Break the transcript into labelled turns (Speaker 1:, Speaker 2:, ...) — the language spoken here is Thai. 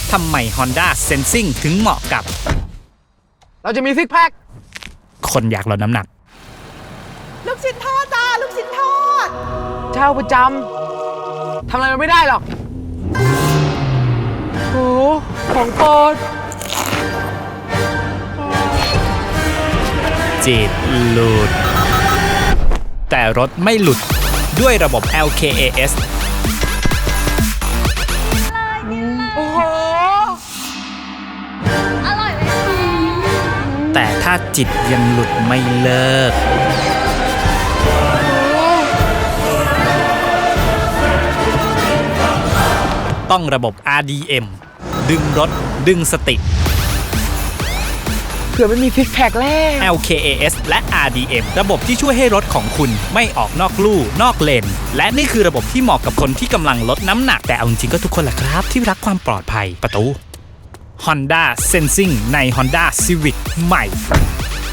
Speaker 1: ทำไม Honda Sensing ถึงเหมาะกับ
Speaker 2: เราจะมีซิกแพค
Speaker 1: คนอยากลดน้ำหนัก
Speaker 3: ลูกชิ้นทอดจ้าลูกชิ้นทอด
Speaker 2: เช่าประจำทำอะไรมันไม่ได้หรอกโอ้ของโปรด
Speaker 1: จิตหลุดแต่รถไม่หลุดด้วยระบบ LKAS
Speaker 2: โอ้โห
Speaker 3: อร่อยไหมคะ
Speaker 1: แต่ถ้าจิตยังหลุดไม่เลิกต้องระบบ RDM ดึงรถดึงสติ
Speaker 2: เผื่อไม่มีซิกแพคแล้ว
Speaker 1: LKAS และ RDM ระบบที่ช่วยให้รถของคุณไม่ออกนอกลู่นอกเลนและนี่คือระบบที่เหมาะกับคนที่กำลังลดน้ำหนักแต่เอาจริงๆก็ทุกคนแหละครับที่รักความปลอดภัยประตู Honda Sensing ใน Honda Civic ใหม่